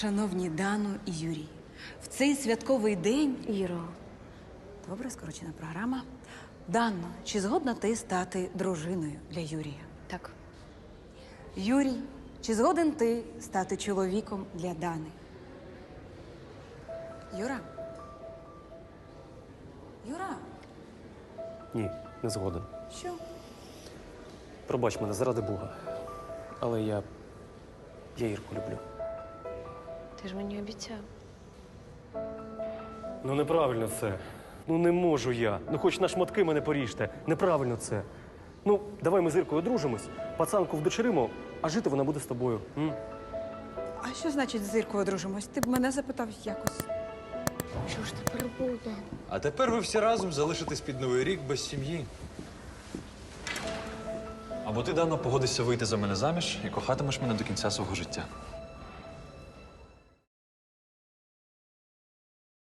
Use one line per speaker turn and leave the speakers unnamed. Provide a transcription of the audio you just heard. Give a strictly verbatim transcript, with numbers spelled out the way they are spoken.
Шановні Дану і Юрій, в цей святковий день…
Іро,
Добре, скорочена програма. Дано, чи згодна ти стати дружиною для Юрія?
так.
Юрій, чи згоден ти стати чоловіком для Дани? Юра? Юра?
Ні, не згоден.
Що?
Пробач мене, заради Бога. Але я. я Ірку люблю.
Ти ж мені обіцяв.
Ну неправильно це. Ну не можу я. Ну хоч на шматки мене поріжте. Неправильно це. Ну, давай ми з Іркою одружимось, пацанку вдочеримо, а жити вона буде з тобою. М?
А що значить з Іркою одружимось? Ти б мене запитав якось.
Що ж тепер буде?
А тепер ви всі разом залишитесь під Новий рік без сім'ї. Або ти, Дано, погодишся вийти за мене заміж і кохатимеш мене до кінця свого життя.